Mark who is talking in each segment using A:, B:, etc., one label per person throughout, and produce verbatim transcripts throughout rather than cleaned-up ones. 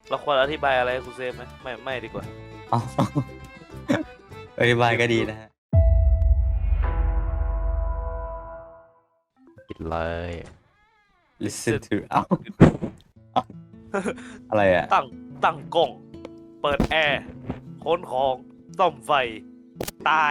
A: เราควรอธิบายอะไรให้คุณเซฟไหมไม่ไม่ดีกว่า
B: อ๋ออธิบายก็ดีนะฮะ
C: ปิดเลย
B: listen to เอ้าอะไรอ่ะ
A: ตั้งตั้งกล้อง เปิดแอร์ค้นของซ่อมไฟ ตาย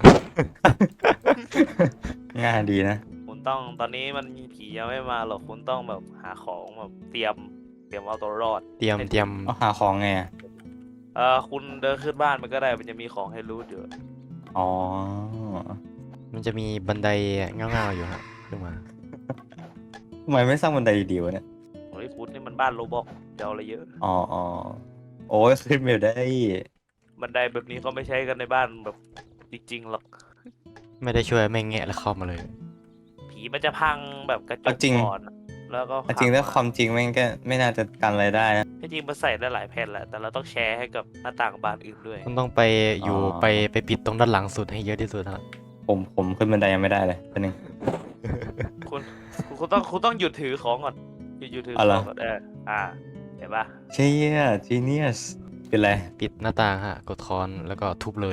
B: ง่ายดีนะ
A: คุณต้องตอนนี้มันมีผียังไม่มาหรอกคุณต้องแบบหาของแบบเตรียมเตรียมเอาตัวรอด
C: เตรียมเตรียม
B: เอาหาของไงอ่ะ
A: เออคุณเดินขึ้นบ้านมันก็ได้มันจะมีของให้รูทอยู่
B: อ๋อ
C: มันจะมีบันไดเงาๆอยู่ฮะขึ้นมา
B: ทำไมไม่สร้างบันไดดีๆวะเนี่ย
A: โอ้ยคุณนี่มันบ้านโรบอกจะเอาอะไรเยอะ
B: อ๋ออ๋อโอ้ยขึ้นไม่ได้
A: บันไดแบบนี้เขาไม่ใช้กันในบ้านแบบจริงๆหรอก
C: ไม่ได้ช่วยไม่แงะแล้วเข้ามาเลย
A: ผีมันจะพังแบบกระจ
B: เอา
A: ก
B: จริง
A: ก่อนอะแล้วก็
B: เอาจริง
A: พั
B: ถ้า
A: มา
B: ความจริงแม่งก็ไม่น่าจะกันอะไรได้นะ
A: ที่จริงมันใส่ได้หลายแผ่นแหละแต่เราต้องแชร์ให้กับหน้าต่างบานอื่นด้วย
C: คุณต้องไปอยู่
B: อ๋อ
C: ไปไปปิดตรงด้านหลังสุดให้เยอะที่สุดฮะ
B: ผมผมขึ้นบันไดยังไม่ได้เลยเป็นหนึ่ง
A: คุณคุณคุณต้องคุณต้องหยุดถือของก่อนหยุดหยุดถือข
B: อ๋อเหรอ
A: องก่อนเอออ่าเห็นปะ
B: เชี่ย genius เป็นไร
C: ปิดหน้าต่างฮะกดคอนแล้วก็ทุบเลย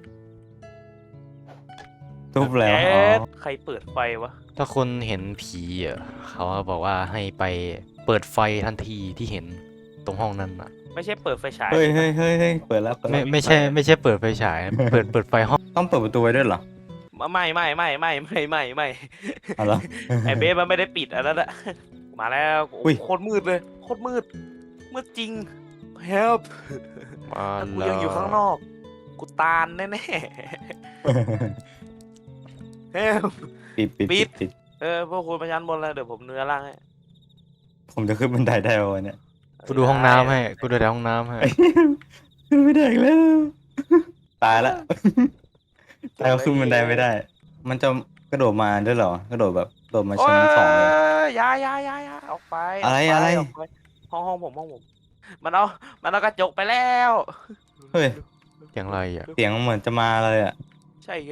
B: ทุบแล้ว
A: เอ๊
B: อ๋อะ
A: ใครเปิดไฟวะ
C: ถ้าคนเห็นผีอ่ะเขาบอกว่าให้ไปเปิดไฟทันทีที่เห็นตรงห้องนั้นอ่ะ
A: ไม่ใช่เปิดไฟฉาย
B: เฮ้ยเฮ้ยเฮ้ยเฮ้ยเปิดแล้วเปิด
C: ไม่
B: แล้ว
C: ไม่ใช่ไม่ใช่เปิดไฟฉาย เปิดเปิดไฟห้อง
B: ต้องเปิดประตูไว้ด้วยเหรอ
A: ไม่ไม่ไม่ไม่ไม่ไม่ไม่
B: อ๋อเหรอ
A: ไอเบสมันไม่ได้ปิดอันนั้นอะมาแล้วโอ้
B: อุ้ย
A: โคตรมืดเลยโคตรมืดมืดจริง help
C: มา
A: ถ้ากู
C: แล้ว
A: ยังอยู่ข้างนอก กูตานแน่ๆ help
B: ปิดปิด
A: ปิ
B: ปิ
A: ด
B: ดปิด
A: เออพวกคุณไปชั้นบนแล้วเดี๋ยวผมเนื้อล่างให้
B: ผมจะขึ้นบันไดได้วะเนี่ย
C: กูดูห้องน้ำให้กูดูแต่ห้องน้ำให้
B: ขึ้นไม่ได้อีกแล้ว ตายละตายแล้วขึ้นบันไดไม่ได้ มันจะกระโดดมาด้วยเหรอ กระโดดแบบโดดมา
A: โอ้
B: ชั้
A: ย
B: นสองเลย
A: อยาอยาอยาอยาออกไป
B: อะไร
A: กป
B: อะไร
A: ออกไปห้องห้องผมห้องผม มันเอา มันเอากระจกไปแล้ว
B: เฮ้ย
C: อย่างไรอ่ะ
B: เสียงเหมือนจะมาเลยอ่ะ
A: ใช่ไง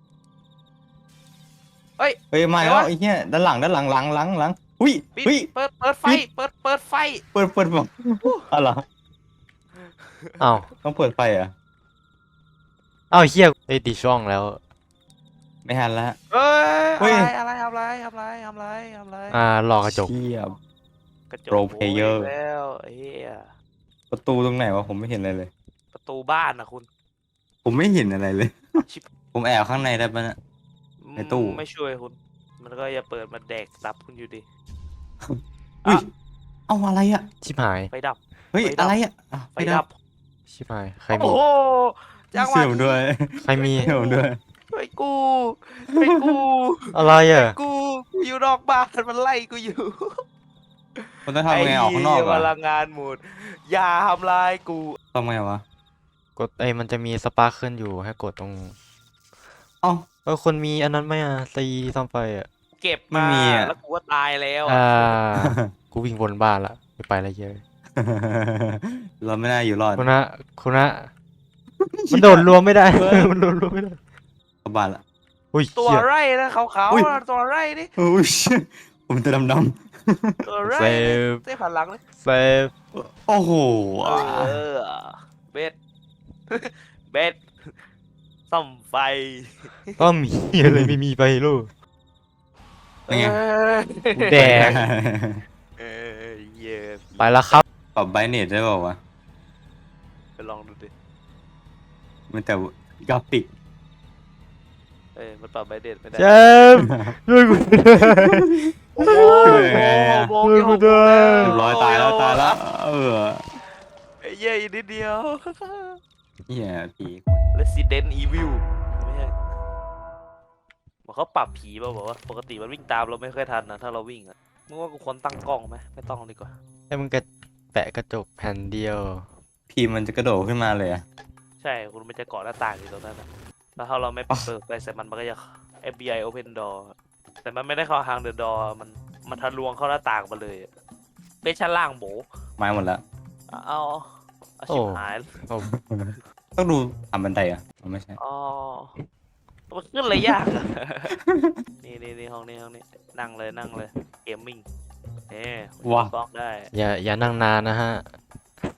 A: เฮ้ย
B: เฮ้ยมา
A: ไหน
B: แล้ว
A: วะ
B: ไอ้เหี้ยด้านหลังด้านหลังหลังหลังหลังอุ้ย
A: ปิด
B: อุ้ย
A: เปิดเปิดไฟ
B: ปิด
A: เปิดเปิดไฟ
B: เปิดเปิดบอกอ๋อเหรอ
C: อ้าว
B: ต้องเปิดไฟเหรอ่ะ
C: อ้าวเฮียไอ้ติดช่องแล้ว
B: ไม่ทันละ
A: เอ้
B: เฮ้
A: ย
B: ย
A: อะไรอะไรทำอะไรทำอะไรทำอะไรทำอะไร
C: อ่าหลอกกระจก
B: เชี่ย
A: กระจก
B: Pro
A: โว้ย
B: player
A: แล้วไอ้เหี้ย
B: ประตูตรงไหนวะผมไม่เห็นอะไรเลย
A: ประตูบ้านนะคุณ
B: ผมไม่เห็นอะไรเลย
A: ชิบ
B: ผมแอบข้างในได้ปะเนี่ย ในตู้
A: ไม่ช่วยคุณ มันก็อย่าเปิดมาแดกตับคุณอยู่ดี
B: อุ้ย
A: อ่ะ
B: เอาอะไรอ่ะ
C: ชิบหาย
A: ไฟดับ
B: เฮ้ย
A: ไฟดับ
B: อะไรอ่ะอ่ะ
A: ไฟดับ
C: ชิบหายใคร
A: โอ้
C: มี
A: โหจังหวะ
B: เสียวด้วย
C: ใครมี
B: เสียวด้วย
A: ช่วยกูช่วยกู
C: อะไรอ่ะ
A: กูกูอยู่นอกบ้านมันไล่กูอยู่
B: มันต้องทำไงออกข้างนอก
A: ไเหี้ย
B: อ่ะ
A: พลังงานหมดอย่าทำลายกู
B: ทำไงวะ
C: กดไอ้มันจะมีสปาร์คขึ้นอยู่ให้กดตรง
B: เอ้า
C: เออคนมีอันนั้นไหมอ่ะตีซ่อมไฟอ่ะ
A: เก็บ
B: ไม่
A: มา
B: มีอะ
A: แล้วกูก็ตายแล้ว
C: อ่า
A: อะ
C: กูวิ่งวนบ้านละไม่ไปอะไรเยอะ
B: เราไม่น่าอยู่รอด
C: คุณนะคุณนะมันโดดรวมไม่ได้ มันโดดรวมไม่ได้
B: กระบาดละ
C: อุ้ย
A: ตัว
C: เหี้ย
A: ไรนะขาว
B: อุ้ย
A: ๆนะตัวไรนี่
B: อุ้ยผมจะดำด
A: ตัวไร
C: เซฟ
A: เต้ผ่านหลังเลย
C: เซฟ
B: ำโอ้โห
A: เออเบ็ด เบ็ดซ่อมไฟ
C: ก็มีอะไรไม่มีไปลูก
B: เป็นไง
A: เอ้ย
C: แดง
A: เออเหี้ย
C: ไปแล้วครับ
B: ปรับไบรท์เนตได้เปล่าวะ
A: ไปลองดูดิ
B: มันแต่กราฟิก
A: เอ้ยมันปรับไบเดนไม่ได้
C: เจมส์ช่วยกูด้วย
A: โอ้โห
B: ช่วยไงอะ
A: โอ้โห
C: ช่วยกูด้วย
B: เรียบร้อยตายแล้วตายแล้ว เออ
A: ไอ้เหี้ยอีกนิดเดียว
B: เฮียผี
A: Resident Evil ไม่ใช่บอกเขาปรับผีป่ะบอกว่าปกติมันวิ่งตามเราไม่ค่อยทันนะถ้าเราวิ่งอะมึงว่ากูควรตั้งกล้องไหมไม่ต้องดีกว่า
C: ไอ้มึงกระแปะกระจกแผ่นเดียว
B: ผีมันจะกระโดดขึ้นมาเลยอะ
A: ใช่คุณมันจะเกาะหน้าต่างอยู่ตรงนั้นนะแล้วถ้าเราไม่
B: อ่ะ
A: เปิดไฟใส่มันมันก็จะ เอฟ บี ไอ Open Door แต่มันไม่ได้เข้าทางเดอะดอมันมันทะลวงเข้าหน้าต่างมาเลยอะเป็นชั้นล่างโบ
B: ไม้หมดแล้ว
A: เอาเอาเอาชิบหาย
C: โอ้
B: ต้องดูอ่านบันไดอ่ะอ๋อไม่ใช่
A: อ๋อมันขึ้นเลยยากอะ นี่นี่นี่ห้องนี้ห้องนี้นั่งเลยนั่งเลยเกมมิ่งเอ๊ะ
B: ว้า
A: บล็อกได้
C: อย่าอย่านั่งนานนะฮะ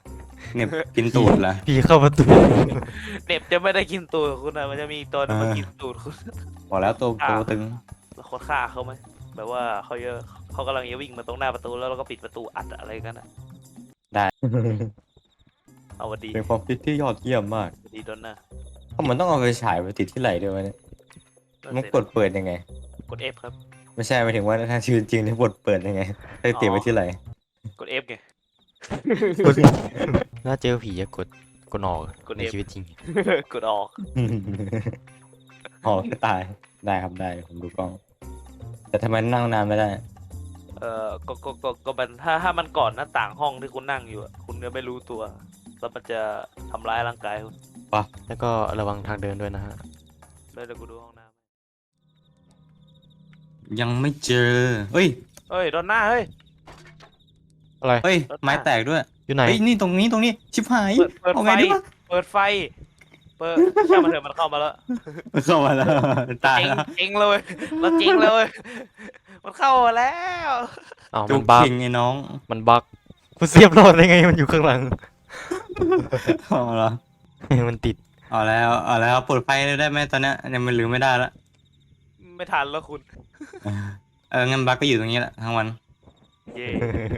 B: เหน็บกินตูดเหรอ
C: ผีเข้าประตู
A: เน็บจะไม่ได้กินตูดคุณนะมันจะมีอีกตัวหนึงมา
B: อ่า
A: กินตูดคุณ
B: บอกแล้วตัวตัวตึง
A: แล้วคนฆ่าเขาไหมแบบว่าเขาเยอะเขากำลังจะวิ่งมาตรงหน้าประตูแล้วเราก็ปิดประตูอัดอะไรกันนะ
B: ได้
A: เอาวันดี
B: เป็นความคิดที่ยอดเยี่ยมมาก
A: วันดีโดนนะ
B: เพราะมันต้องเอาไปฉายไปติดที่ไหล่ด้วยวะเนี่ยมันกดเปิดยังไง
A: กด F ครับ
B: ไม่ใช่หมายถึงว่าถ้าชีวิตจริงที่กดเปิดยังไงให้ติดไว้ที่ไหล่
A: กด F ไง
C: ถ้าเจอผีจะกดกดออก
A: กด
C: ใน
A: F
C: ชีวิตจริง
A: กดออก
B: อ๋อตายได้ครับได้ผมดูกล้อง แต่ทำไมนั่งนานไม่ได้
A: เอ่อก็ก็ก็ก็มันถ้าถ้ามันก่อนหน้าต่างห้องที่คุณนั่งอยู่อะคุณก็ไม่รู้ตัว แล้วมันจะทำร้ายร่างกายคุณ
C: แล้วก็ระวังทางเดินด้วยนะฮะ
A: เลยเดี๋ยวกูดูห้องน้
B: ยังไม่เจอเฮ้ย
A: ำเฮ้ยโดนหน้าเฮ้ย
C: อะไร
B: เฮ้ยไม้แตกด้วย
C: อยู่ไหน
B: เฮ้ยนี่ตรงนี้ตรงนี้ชิบหาย
A: เปิดเปิด
B: เอา
A: ไฟ
B: ไงดีวะ
A: เปิดไฟ เปิดช่างมันเถอะมันเข้ามาแล้ว
B: เข้ามาแล้วตาย
A: เจ๊ง
B: แล้ว
A: เจ๊งเลยเราเจ๊งเลย มันเข้ามาแล้ว
C: อ้าว
B: จุ
C: มัน
B: ก
C: บั๊ก
B: คิงไอ้น้อง
C: มันบั๊กมันเสียบรอดได้ไงมันอยู่ข้างหลัง
B: เอาละ
C: มันติด
B: เอาแล้วเอาแล้วเปิดไฟได้ไหมตอนเนี้ยยังไม่ลืมไม่ได้ละ
A: ไม่ทันแล้วคุณ
B: เอองั้นบักก็อยู่ตรงนี้แหละทั้งวัน
A: เย่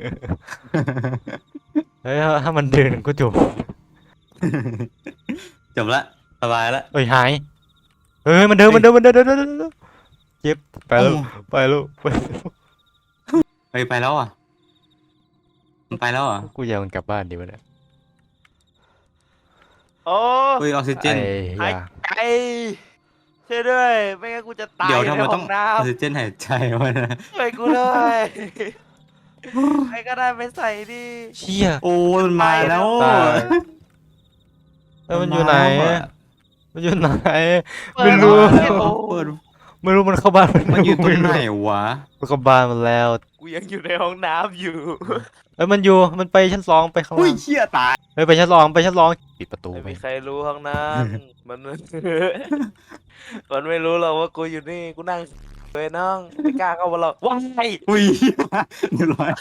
C: เฮ้ยถ้ามันเดินก็จบ
B: จบละสบายละ
C: เอ้ยหายเฮ้ยมันเดินมันเดินมันเดินเดินเดินเดินเดินเจ็บไปแล้วไปแล้วไปแล้ว
B: เฮ้ยไปแล้วอ่ะมันไปแล้วเหรอ่ะ
C: กูอยากมันกลับบ้านดีวะเนี่ย
A: โอ้
B: เฮ้ยออกซิเจน
C: ไอ้
A: หาย
C: ยา
A: ใจช่วยด้วย ไม่งั้นกูจะตาย
B: เดี๋ยว
A: ใน
B: ทำไม
A: ห้
B: ต้
A: อ
B: อง
A: งน้
B: ออกซิเจนหายใจวะนะ
A: ำช่วยกูด้วยใครก็ได้ไปใส่ดิ
C: เชี่ย
B: โอ้ยมันมาแล้ว
C: ตายเอ้ยมันอยู่ไหน มันอยู่ไหน ไม่รู้
B: เปิด
C: ไม่รู้มันเข้าบ้าน
B: มันอยู่ตรงไหนวะ
C: มันเข้าบ้านมันแล้ว
A: กูยังอยู่ในห้องน้ำอยู่
C: เอ้ยมันอยู่มันไปชั้นสองไปข้าง
B: อุ้
C: ล่าย ง
B: เชี่ยตาย
C: เฮ้ยไปชั้นสองไปชั้นสองปิดประตู
A: ไม่
C: ไป
A: มีใครรู้ห้องนั้น มัน มันไม่รู้หรอกว่ากูอยู่นี่กูนั่งเลยน้องไม่กล้าเข้ามาหรอกว้าย
B: อุ้ยเรียบร้อย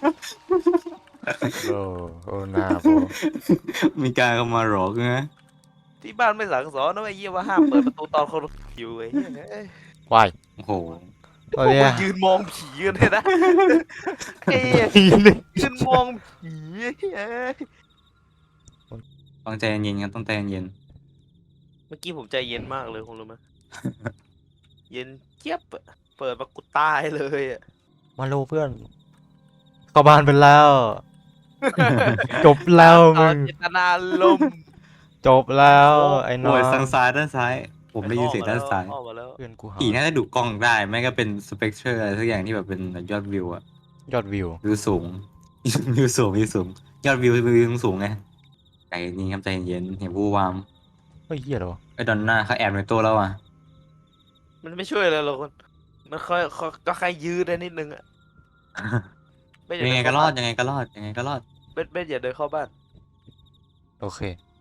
C: โอ้โอ้หน้าโบ
B: มีการเข้ามาหรอกนะ
A: ที่บ้านไม่สั่งสอนนะไอ้เหี้ยว่าห้ามเปิดประตูตอนคนอยู่ไอ้เหี้ยเอ้ยว
C: าย
B: โอ้โห
C: ตอนเนี้ย
A: พวกมึงยืนมองผีกันเลยนะไอ้เหี้ยยืนมองผีเอ้ย
B: ต้องใจเย็นๆครับต้องใจเย็น
A: เมื่อกี้ผมใจเย็นมากเลยคุณรู้ไหม เย็นเจี๊ยบอะเปิดมากูตายเลยอะ
C: มาโลเพื่อน เข้าบ้านไปแล้ว จบแล้ว
A: ต
C: มึ
A: อน
C: ง
A: เจตนาลมณ์
C: จบแล้วไอ้
B: ๆ
C: น้อ
B: โอ้ย
C: ง
B: ทางซ้ายด้านซ้าย ผมได้ยินเสียงด้านซ้าย
A: ออกมาแล้ว
C: เพื่อนกูหา
B: ผีน่าจะดูกล้องได้ไม่ก็เป็นสเปกเตอร์อะไรสักอย่างที่แบบเป็นยอดวิวอะ
C: ยอดวิว
B: วิวสูง วิวสูงวิวสูง ยอดวิววิวสูงไงใจเย็นครับใจเย็นอย่าวู่วาม
C: เฮ้ยเหี้ยเหรอวะ
B: ไอ้ดอนน่าเขาแอบในตัวแล้วอ่ะ
A: มันไม่ช่วยเลยหรอกคนมันค่อยค่อยก็แค่ยืดได้นิดนึงอะเบสอา
B: ยังไง
A: เน
B: ก็
A: เข้าร
B: อด
A: บ้าน
B: ยังไงก็รอดยังไงก็รอด
A: เบสเบสอย่าเดินเข้าบ้าน
C: โอเค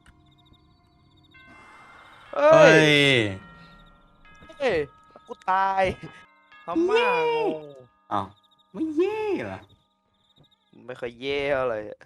A: เอ้
B: เฮ้
A: ย
B: ย
A: เอ้ยกูตายทำมากง
B: อ้าวไม่เย่เหรอ
A: ไม่ค่อยเย่อะไรอะ